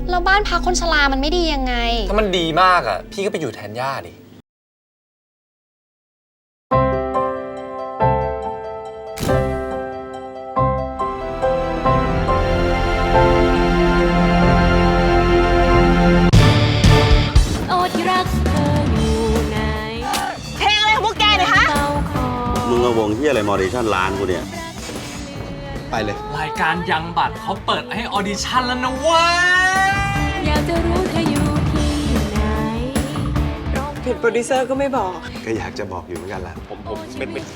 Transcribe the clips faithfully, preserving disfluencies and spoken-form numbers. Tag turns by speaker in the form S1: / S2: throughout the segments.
S1: แล้วบ้านพักคนชรามันไม่ดียังไง
S2: ถ้ามันดีมากอ่ะพี่ก็ไปอยู่แทนย่าดิ
S3: โอ้ที่รักเธออยู่ไหน
S4: เพลงอะไรของพวกแกเนี่ยฮะ
S5: มึงเอาวงที่อะไรมอดิชั่นร้านกูเนี่ย
S2: ไปเลย
S6: รายการยังบัตรเขาเปิดให้ออดิชั่นแล้วนะเว้ย
S3: อยากจะรู้เธออยู่ที่ไหน
S4: เห็นโปรดิวเซอร์ก็ไม่บอก
S5: ก็อยากจะบอกอยู่เหมือนกันล่ะผมผมเป็นเป็น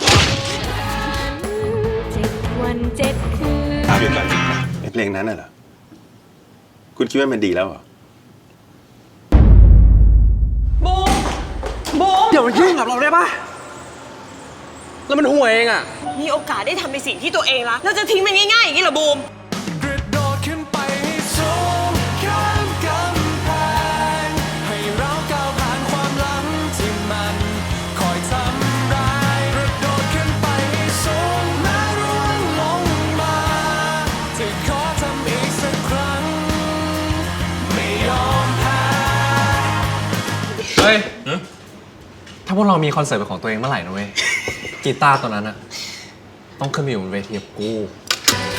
S3: เจ็ดวันเจ็ดคืน
S5: ถามอยู่ก่อนไอ้เพลงนั้นน่ะเหรอคุณคิดว่ามันดีแล้วเหรอ
S4: บูมบูม
S2: อย่ามายุ่งกับเราได้ปะแล้วมันห่วยเองอ่ะ
S4: มีโอกาสได้ทำในสิ่งที่ตัวเองรักแล้วจะทิ้งมันง่ายๆอย่างนี้เหรอบูม
S6: กระโดดขึ้นไปให้สูงข้ามกำแพงให้เราก้าวผ่านความหลังที่มันคอยทำร้ายกระโดดขึ้นไปให้สูงแม้ร่วงลงมาจะขอทำอีกสักครั้งไม่ยอมแพ้เฮ้ยถ้าพวกเรามีคอนเสิร์ตเป็นของตัวเองเมื่อไหร่นะเว้ยกีตาร์ตัวนั้นอะต้องขึ้นมาอยู่บนเวทีกับกู